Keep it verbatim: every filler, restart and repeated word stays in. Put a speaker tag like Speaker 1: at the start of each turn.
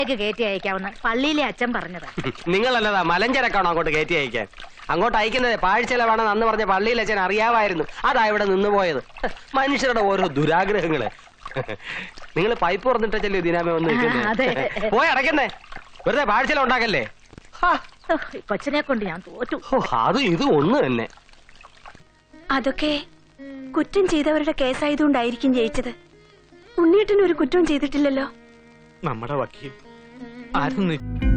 Speaker 1: കയറ്റി അയക്കാവുന്ന പള്ളിയിലെ അച്ഛൻ പറഞ്ഞതാ.
Speaker 2: നിങ്ങളല്ലതാ മലഞ്ചരക്കാണോ അങ്ങോട്ട് കയറ്റി അയക്കാൻ? അങ്ങോട്ട് അയക്കുന്നത് പാഴ്ചെലവാണെന്ന് അന്ന് പറഞ്ഞ പള്ളിയിലെ അച്ഛൻ അറിയാമായിരുന്നു. അതാ ഇവിടെ നിന്ന് പോയത്. മനുഷ്യരുടെ ഓരോ ദുരാഗ്രഹങ്ങള്. നിങ്ങൾ പൈപ്പ് തുറന്നിട്ടല്ലേ ദിനാമേ വന്ന് പോയി അടയ്ക്കുന്നേ. വെറുതെ പാഴ്ചെല ഉണ്ടാക്കല്ലേ.
Speaker 1: കൊച്ചിനെ കൊണ്ട് ഞാൻ തോറ്റു.
Speaker 2: അത് ഇത് ഒന്ന് തന്നെ.
Speaker 3: അതൊക്കെ കുറ്റം ചെയ്തവരുടെ കേസായതുകൊണ്ടായിരിക്കും ജയിച്ചത്. ഉണ്ണിയേട്ടൻ ഒരു കുറ്റവും ചെയ്തിട്ടില്ലല്ലോ.
Speaker 4: നമ്മുടെ വക്കീൽ ആരും